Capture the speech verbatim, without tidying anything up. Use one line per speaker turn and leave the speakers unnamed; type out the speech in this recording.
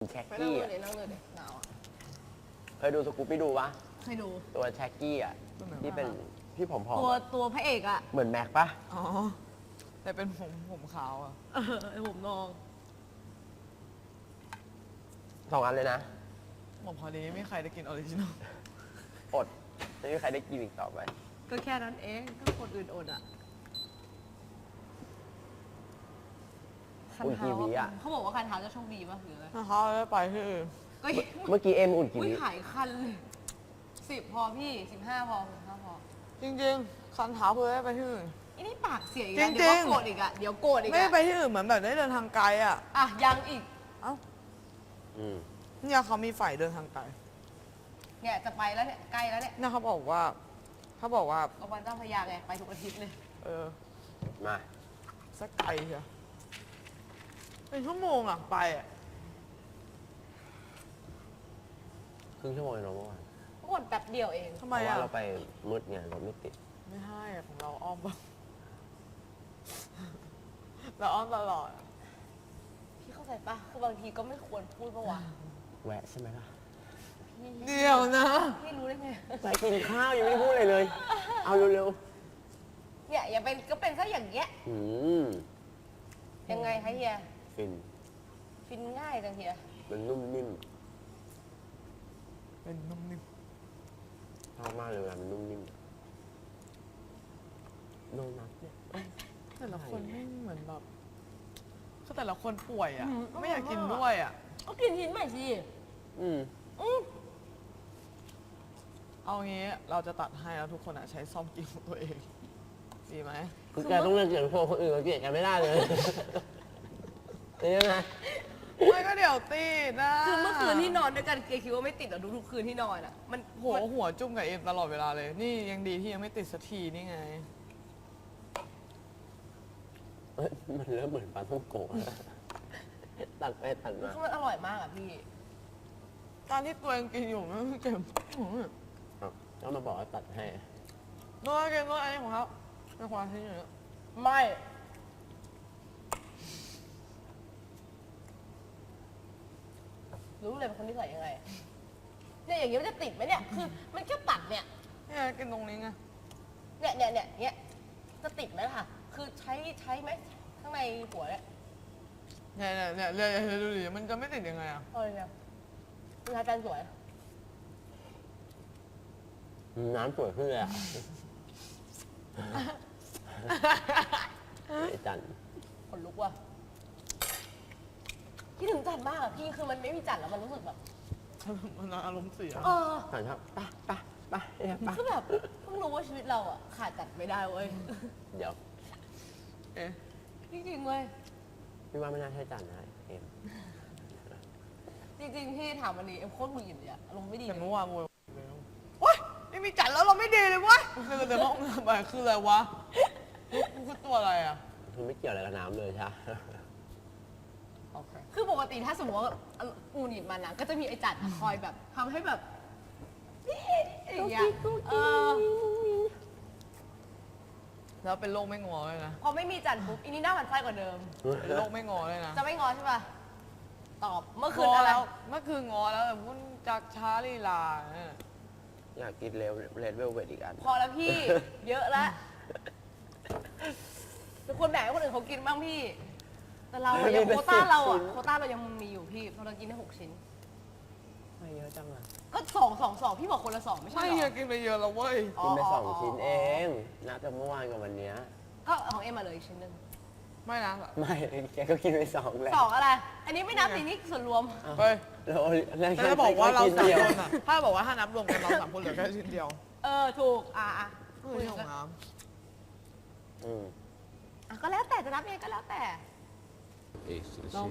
แช็ก
ไปนั่ง
กี้
เล
อะ
ยนั่งเลยหนาวอ่ะ
เคยดูสกูปปี้ดูปะ
เคยดู
ตัวแช็กกี้อ่ะที่เป็นที่ผอม
ตัว
ๆอะ
ตัวพระเอกอ่ะ
เหมือนแม็กปะ
อ๋อ แต่เป็นผมผมขาวอ่ะ
เออไอผมนอง
สองอันเลยนะ
บอกพอดีไม่มีใครได้กินออริจินอล
อดไม่มีใครได้กินอีกต่อไป
ก็แค่นั้นเองก็คนอื่นอดอ่ะ
อุ่นกี่วิอะ
เขาบอกว่าคันเท้าจะโชคดีป่ะหรืออะไร
ถ้าเขาได้ไปที่อื่น
ก็
เมื่อกี้เอ็มอุ่นกี่
อุ้ย
วิ
หายคันเลยสิบพอพี่สิบห้าพอสิบห้าพอ
จริงๆ คันเท้าเพื่อได้ไปที่อื่น
อันนี้ปากเสียอีก
จริ
แล้ว
งๆ
เดี๋ยวก็โกรธอีกอ่ะเดี๋ยวโกรธอีก
ไม่ได้
อ่ะ
ไปที่อื่นเหมือนแบบได้เดินทางไกลอ่ะ
อ่ะยังอีก
เอ้า
อืม
เนี่ยเขามีฝ่ายเดินทางไกล
เนี่ยจะไปแล้วเนี่ยใกล้แล้วเนี่ย
เนี่ยเขาบอกว่าเขาบอกว่า
โรงพยาบาลเจ้าพระยาไงไปทุกอาทิตย์เลย
เออ
มา
สักไกลเชียวเป็นชั่วโมงอ่ะไปอ่ะ
ครึ่งชั่วโมงเองเนาะเมื่อวาน
อ้วนแป๊บเดียวเอง
ทำ
เพ
ไม
ราะว่า
อ่ะ
เราไปมืดไงรถไม่ติด
ไม่ให้อ่ะของเราอ้อมบ้าง เราอ้อมตลอดอะ
พี่เข้าใจปะคือบางทีก็ไม่ควรพูดปะวะ
แวะใช่ไหมล่ะ
พี่
เดี๋ยวนะ
พี่รู้ได้ไง
ไปกินข้าวยังไม่ได้พูดเลยเลย เอาเร็ว
เนี่ยอย่าเป็นก็เป็นซะอย่างเงี้ย
ๆอืม
ยังไงคะเฮีย
ฟิน
ฟินง่ายจังเฮีย
มันนุ่มนิ่ม
เป็นนุ่มนิ่ม
ชอบมากเลยเวลามันนุ่มนิ่มโดนัทเนี่ย
แต่ละคนไม่เหมือนแบบคือแต่ละคนป่วยอ่ะ ไม่อยากกินด้วยอ่ะ
ก็กินชิ้นใหม่สิ
อืม
อืม
เอางี้เราจะตัดให้แล้วทุกคนอ่ะใช้ซ่อมกินของตัวเอง ดีไหม
คือแกต้องเลือกเกลียดพวกคนอื่นมาเกลียดกันไม่ได้เลยนี่นะ
ไม่ก็เดี๋ยวติดนะ
คือเมื่อคืนที่นอนด้วยกันเกคิดว่าไม่ติดหรอทุกๆคืนที่นอนอ่ะ มัน
หัวหัวจุ่มกับเอ็มตลอดเวลาเลย นี่ยังดีที่ยังไม่ติดสักทีนี่ไง
เอ้ยมันเริ่มเหมือนปลาท่องโกะแล้วตัดไปตัดมา
คือมันอร่อยมากอ่ะพี่
ตอนที่ตัวเองกินอยู่มันเก็บ
อ้าวก็มาบอกว่าตัดให้
น้อยเก็บน้อยอันนี้ของเขาเป็นความทิ้งอยู่
ไม่ รู้เลยเป็นคนที่ใส่ยังไงอะเนี่ยอย่างเงี้ยมันจะติดไหมเนี่ย คือมันแค่ตัดเนี่ย
นี่กินตรงนี้ไง
เนี่ยเนี่ยเนี่ยเนี่ยจะติดไหมล่ะ คือใช้ใช้ไหมข้างในหัวเนี่ย
เนี่ยเนี่ยเนี่ยเนี่ยเนี่ยดูดิมันจะไม่ติดยังไงอ่ะ
เออเนี่ยคืออาจารย์สวย
น้ำสวยขึ้นเลยอ่ะไอ้จัน
ขนลุกว่ะคิดถึงจันมากอะพี่ คือมันไม่มีจันแล้วมันรู้สึกแบบ
มันอารมณ์เสีย
เออ
จันครับไปไปไปเนี่ยไป
คือแบบเพิ่งรู้ว่าชีวิตเราอะขาดจันไม่ได้เว้ย
เดี๋ยว
เอ๊ะ
จริงๆเว้ย
พี่ว่าไม่น่าใช่จันนะเอ็ม
จริงๆพี่ถามวันนี้เอ็มโคตรหงุดหงิดเลยอะอารมณ์ไม่ดี
แต่
เลย
เมื่อวานโวยโอ๊ยไม่มีจัดแล้วเราไม่ดีเลยเวะคือแต่ห้องน้ำไปคืออะไรวะกูคือตัวอะไรอ่ะ
คือไม่เกี่ยวอะไรกับน้ำเลยใช่ไหม
โอเค
คือปกติถ้าสมมติว่าหงุดหงิดมันนะก็จะมีไอ้จันอะคอยแบบทำให้แบบอย่างเงี้ยเออ
แล้วเป็นโรคไม่งอเลยนะ
พอไม่มีจันปุ๊บอีนี่หน้าหมันไส้กว่าเดิม
เป็นโรคไม่งอเลยนะ
จะไม่งอใช่ป่ะ ตอบเมื่อคื
ง
น
อ
อะไร
แล้วเมื่อคืนงอแล้วแต่พุ่นจากช้าลีลาเนี่ย
อยากกินเรลเรดเวลเวทอีกอัน
พอแล้วพี่ เยอะแล้วเป็นคนแบ่งให้คนอื่นเขากินบ้างพี่ แต่เราอะยังโควต้าเราอะโควต้าเรายังมีอยู่พี่เพราะเรากินได้หกชิ้น
ไม่เยอะจังอ่ะ
ก็สองสองสองพี่บอกคนละสองไม่ใช่
ไม่
เหร
เฮีย
อ
กินไปเยอะแล้วเว้ย
กินไปสองชิ้นเองนับจากเมื่อวานกับวันเนี้ย
ก็ของเอ็มมาเลยอีกชิ้นหนึ่ง
ไม่นะ
ไม่แกก็กินไปสองแหละ
สองอะไร อันนี้ไม่นับสินี่ส่วนรวม
เฮ้ย
แล้วแล้ว
แต่จะบอกว่าเรา
กิน
สาม
ดียว
คนอ่ะ ถ้าบอกว่าถ้านับรวมกันเราสามคนเหลือแค่ชิ้นเดียว
เออถูกอ่ะอ่ะ
ก็คือของน้
อืม
อ่ะก็แล้วแต่จะนับยังไงก็แล้วแต่
ำเรา